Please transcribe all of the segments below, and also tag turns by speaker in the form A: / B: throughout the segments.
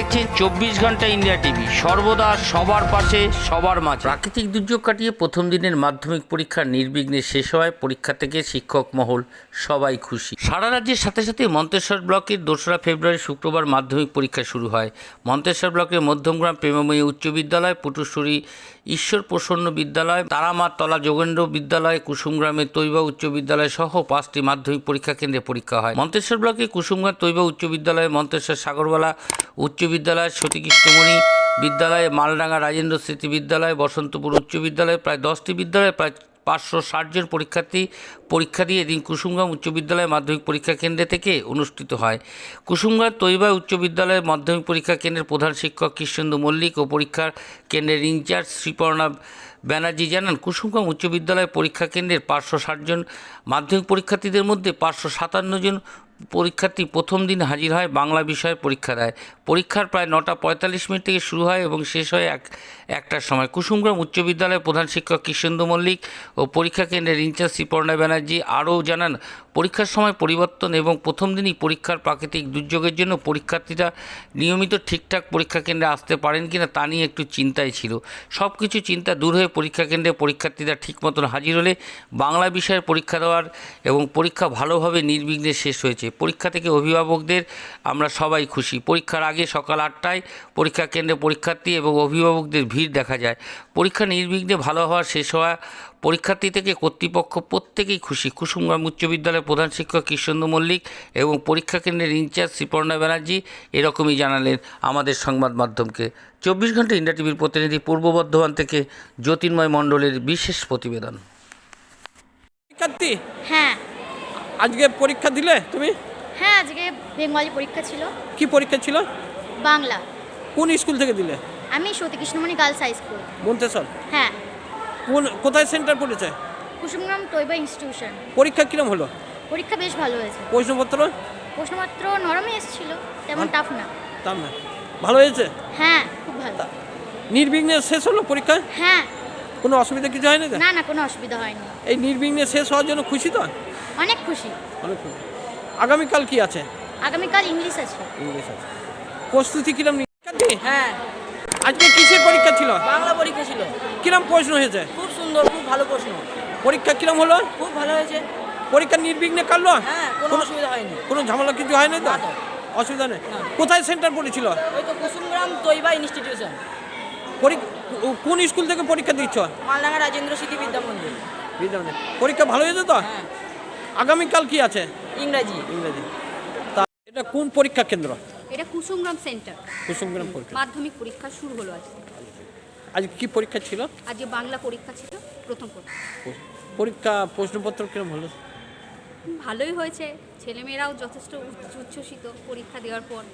A: দেখছেন 24 ঘন্টা India TV, সর্বদা সবার পাশে সবার মাঝে। প্রাকৃতিক দুর্যোগ কাটিয়ে প্রথম দিনের মাধ্যমিক পরীক্ষা নির্বিঘ্নে শেষ হওয়ায় পরীক্ষা থেকে শিক্ষক মহল সবাই খুশি। সারা রাজ্যের সাথে সাথে মন্তেশ্বর ব্লকের 2রা ফেব্রুয়ারি শুক্রবার মাধ্যমিক পরীক্ষা শুরু হয়। মন্তেশ্বর ব্লকের মধ্যমগ্রাম প্রেমময়ী উচ্চ বিদ্যালয়, পুটুশ্বরী ঈশ্বর প্রসন্ন বিদ্যালয়, তারামাতলা যোগেন্দ্র বিদ্যালয়, কুসুমগ্রামের তৈবা উচ্চ বিদ্যালয় সহ 5টি মাধ্যমিক পরীক্ষা কেন্দ্রে পরীক্ষা হয়। মন্তেশ্বর ব্লকে কুসুমগ্রাম তৈবা উচ্চ বিদ্যালয়, মন্তেশ্বর সাগরবালা উচ্চ বিদ্যালয়, সতীকৃষ্ণমণি বিদ্যালয়, মালডাঙ্গা রাজেন্দ্র স্মৃতি বিদ্যালয়, বসন্তপুর উচ্চ বিদ্যালয়, প্রায় 10টি বিদ্যালয়ে প্রায় 560 জন পরীক্ষার্থী পরীক্ষা দিয়ে এদিন কুসুমগ্রাম উচ্চ বিদ্যালয় মাধ্যমিক পরীক্ষা কেন্দ্রে থেকে অনুষ্ঠিত হয়। কুসুমগ্রাম তৈবা উচ্চ বিদ্যালয়ের মাধ্যমিক পরীক্ষা কেন্দ্রের প্রধান শিক্ষক কৃষ্ণেন্দু মল্লিক ও পরীক্ষার কেন্দ্রের ইনচার্জ শ্রীপর্ণা ব্যানার্জি জানান, কুসুমগ্রাম উচ্চ বিদ্যালয় পরীক্ষা কেন্দ্রের 560 জন মাধ্যমিক পরীক্ষার্থীদের মধ্যে 557 জন পরীক্ষার্থী প্রথম দিন হাজির হয় বাংলা বিষয়ে পরীক্ষা দেয়। পরীক্ষার প্রায় 9:45 থেকে শুরু হয় এবং শেষ হয় একটার সময়। কুসুমগ্রাম উচ্চ বিদ্যালয়ের প্রধান শিক্ষক কৃষ্ণেন্দু মল্লিক ও পরীক্ষা কেন্দ্রের ইনচার্জ শ্রীপর্ণা ব্যানার্জি আরও জানান, পরীক্ষার সময় পরিবর্তন এবং প্রথম দিনই পরীক্ষার প্রাকৃতিক দুর্যোগের জন্য পরীক্ষার্থীরা নিয়মিত ঠিকঠাক পরীক্ষা কেন্দ্রে আসতে পারেন কিনা তা নিয়ে একটু চিন্তায় ছিল। সব কিছু চিন্তা দূর হয়ে পরীক্ষা কেন্দ্রে পরীক্ষার্থীরা ঠিক মতন হাজির হলে বাংলা বিষয়ের পরীক্ষা দেওয়ার এবং পরীক্ষা ভালোভাবে নির্বিঘ্নে শেষ হয়েছে। পরীক্ষা থেকে অভিভাবকদের আমরা সবাই খুশি। পরীক্ষার আগে সকাল 8টায় পরীক্ষা কেন্দ্রে পরীক্ষার্থী এবং অভিভাবকদের ভিড় দেখা যায়। পরীক্ষা নির্বিঘ্নে ভালো হওয়া শেষ হওয়া পরীক্ষার্থী থেকে কর্তৃপক্ষ প্রত্যেকেই খুশি। কুসুমগ্রাম উচ্চ বিদ্যালয়ের প্রধান শিক্ষক কৃষ্ণেন্দু মল্লিক এবং পরীক্ষা কেন্দ্রের ইনচার্জ শ্রীপর্ণা ব্যানার্জি এরকমই জানালেন আমাদের সংবাদ মাধ্যমকে। 24 ঘন্টা ইন্ডিয়া টিভির প্রতিনিধি পূর্ব বর্ধমান থেকে জ্যোতির্ময় মণ্ডলের বিশেষ প্রতিবেদন।
B: পরীক্ষার্থী,
C: হ্যাঁ
B: আজকে পরীক্ষা দিলে তুমি?
C: হ্যাঁ আজকে বেঙ্গলি পরীক্ষা ছিল।
B: কি পরীক্ষা ছিল?
C: বাংলা।
B: কোন স্কুল থেকে দিলে?
C: আমি Satikrishnamoni girls high school,
B: Manteswar.
C: হ্যাঁ।
B: কোথায় সেন্টার পড়েছে?
C: কুসুমগ্রাম তৈবা ইনস্টিটিউশন।
B: পরীক্ষা কিরম হলো?
C: পরীক্ষা বেশ ভালো হয়েছে।
B: প্রশ্নপত্র
C: নরমই এসেছিল, তেমন টাফ না।
B: তার না ভালো হয়েছে?
C: হ্যাঁ খুব ভালো।
B: নির্বিঘ্নে শেষ হলো পরীক্ষা?
C: হ্যাঁ।
B: কোনো অসুবিধা কিছু হয়নি তো?
C: না না, কোনো অসুবিধা হয়নি।
B: এই নির্বিঘ্নে শেষ হওয়ার জন্য খুশি তো?
C: অনেক খুশি।
B: অনেক খুশি। আগামীকাল কি আছে?
C: আগামীকাল ইংলিশ আছে।
B: ইংলিশ আছে। প্রস্তুতি কিরম?
D: হ্যাঁ,
B: আজকে কিসের পরীক্ষা ছিল?
D: বাংলা পরীক্ষা ছিল।
B: কিরম প্রশ্ন হয়েছে?
D: খুব সুন্দর, খুব ভালো প্রশ্ন।
B: পরীক্ষা কিরম হলো?
D: খুব ভালো হয়েছে।
B: পরীক্ষা নির্বিঘ্নে কাটলো?
D: হ্যাঁ, কোনো অসুবিধা হয়নি।
B: কোনো ঝামেলা কিছু হয়নি তো?
D: না তো।
B: অসুবিধা নেই।
D: না।
B: কোথায় সেন্টার পড়েছিল?
D: ওই তো কুসুমগ্রাম তৈবা ইনস্টিটিউশন,
B: কোন স্কুল থেকে পরীক্ষা দিচ্ছ?
D: মালডাঙ্গা রাজেন্দ্র স্মৃতি বিদ্যা মন্দির।
B: পরীক্ষা ভালো হয়েছে তো?
D: হ্যাঁ।
B: আগামীকাল কি আছে?
D: ইংরাজি।
B: তা এটা কোন পরীক্ষা কেন্দ্র?
E: এটা কুসুমগ্রাম সেন্টার।
B: কুসুমগ্রাম পরীক্ষা।
E: মাধ্যমিক পরীক্ষা শুরু হলো আজকে।
B: আজ কি পরীক্ষা ছিল?
E: আজকে বাংলা পরীক্ষা ছিল, প্রথম পরীক্ষা।
B: পরীক্ষা প্রশ্নপত্র কিরম হলো?
E: ভালোই হয়েছে, ছেলেমেয়েরাও যথেষ্ট উচ্ছ্বসিত পরীক্ষা দেওয়ার পর।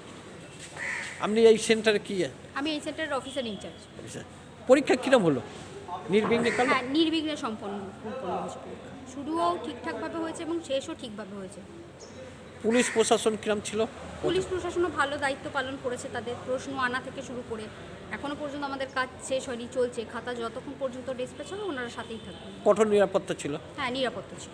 B: আপনি এই সেন্টারে কি?
E: আমি এই সেন্টারের অফিসার ইনচার্জ।
B: পরীক্ষা কিরম হলো? নির্বিঘ্নে কাটলো?
E: হ্যাঁ, নির্বিঘ্নে সম্পন্ন হয়েছে পরীক্ষা। শুরুও ঠিকঠাকভাবে হয়েছে এবং শেষও ঠিকভাবে হয়েছে।
B: পুলিশ প্রশাসন কিরম ছিল?
E: পুলিশ প্রশাসনও ভালো দায়িত্ব পালন করেছে, তাদের প্রশ্ন আনা থেকে শুরু করে এখনও পর্যন্ত আমাদের কাজ শেষ হয়নি, চলছে। খাতা যতক্ষণ পর্যন্ত ডিসপ্যাচ হবে ওনারা সাথেই থাকবেন।
B: কঠোর নিরাপত্তা ছিল?
E: হ্যাঁ, নিরাপত্তা ছিল।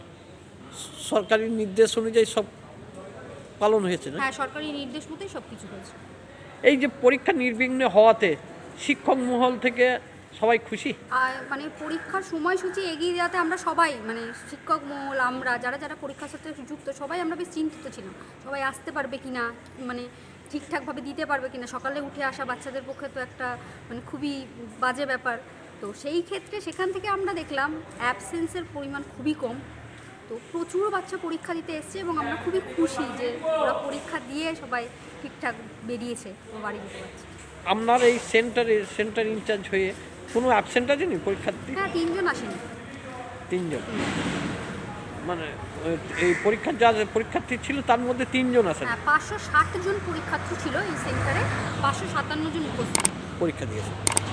B: সরকারি নির্দেশ অনুযায়ী সব পালন হয়েছে না?
E: হ্যাঁ, সরকারি নির্দেশ মতোই সব কিছু হয়েছে।
B: এই যে পরীক্ষা নির্বিঘ্নে হওয়াতে শিক্ষক মহল থেকে সবাই খুশি?
E: আর মানে পরীক্ষার সময়সূচি এগিয়ে দেওয়াতে আমরা সবাই, মানে শিক্ষক মহল, আমরা যারা যারা পরীক্ষার সাথে যুক্ত সবাই আমরা বেশ চিন্তিত ছিলাম, সবাই আসতে পারবে কি না, মানে ঠিকঠাকভাবে দিতে পারবে কি না। সকালে উঠে আসা বাচ্চাদের পক্ষে তো একটা মানে খুবই বাজে ব্যাপার। তো সেই ক্ষেত্রে সেখান থেকে আমরা দেখলাম অ্যাবসেন্সের পরিমাণ খুবই কম। তো প্রচুর বাচ্চা পরীক্ষা দিতে এসছে এবং আমরা খুবই খুশি যে ওরা পরীক্ষা দিয়ে সবাই ঠিকঠাক বেরিয়েছে ও বাড়ি যেতে পারছে।
B: আপনার এই সেন্টার ইনচার্জ হয়ে কোনো অ্যাবসেন্ট আছে নি পরীক্ষার্থী?
E: হ্যাঁ, 3 জন আসেনি।
B: 3 জন? মানে এই পরীক্ষার যা পরীক্ষার্থী ছিল তার মধ্যে 3 জন আসেন?
E: হ্যাঁ, 560 জন পরীক্ষার্থী ছিল এই সেন্টারে, 557 জন উপস্থিত
B: পরীক্ষা দিয়েছে।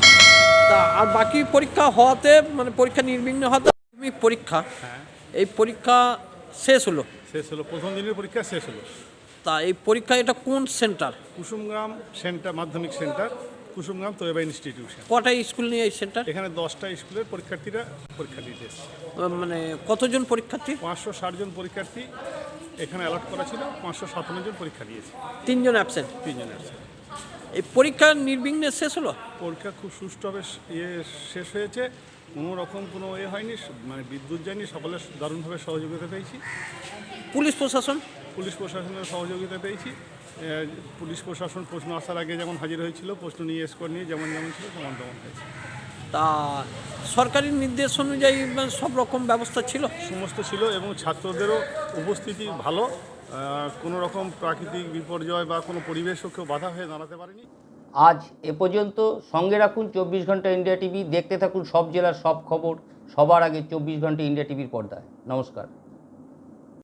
B: তা আর বাকি পরীক্ষা হওয়াতে মানে পরীক্ষা নির্বিঘ্ন হওয়াতে পরীক্ষা, এই পরীক্ষা শেষ হলো?
F: প্রথম দিনের পরীক্ষা শেষ হলো।
B: তা এই পরীক্ষা এটা কোন সেন্টার?
F: কুসুমগ্রাম সেন্টার, মাধ্যমিক সেন্টার, কুসুমগ্রাম তৈবা ইনস্টিটিউশন।
B: কটা স্কুল নিয়ে এই সেন্টার?
F: এখানে 10টা স্কুলের পরীক্ষার্থীরা পরীক্ষা দিতে এসেছে।
B: মানে কতজন পরীক্ষার্থী?
F: 560 জন পরীক্ষার্থী এখানে অ্যালট করা ছিল, 557 জন পরীক্ষা দিয়েছে।
B: 3 জন অ্যাবসেন্ট?
F: 3 জন আছে।
B: এই পরীক্ষা নির্বিঘ্নে শেষ হলো।
F: পরীক্ষা খুব সুষ্ঠুভাবে শেষ হয়েছে, কোনো রকম কোনো হয়নি, মানে বিদ্যুৎ যায়নি, সকলের দারুণভাবে সহযোগিতা পেয়েছি।
B: পুলিশ প্রশাসন
F: পুলিশ প্রশাসনের সহযোগিতা পেয়েছি। পুলিশ প্রশাসন প্রশ্ন আসার আগে যেমন হাজির হয়েছিল, প্রশ্ন নিয়ে স্কোর নিয়ে যেমন ছিল তেমন হয়েছে।
B: তা সরকারি নির্দেশ অনুযায়ী সব রকম ব্যবস্থা ছিল।
F: সমস্ত ছিল এবং ছাত্রদেরও উপস্থিতি ভালো, কোনো রকম প্রাকৃতিক বিপর্যয় বা কোনো পরিবেশও কেউ বাধা হয়ে দাঁড়াতে পারেনি।
A: আজ এ পর্যন্ত। সঙ্গে রাখুন 24 ঘন্টা ইন্ডিয়া টিভি। দেখতে থাকুন সব জেলার সব খবর সবার আগে 24 ঘন্টা ইন্ডিয়া টিভির পর্দায়। নমস্কার।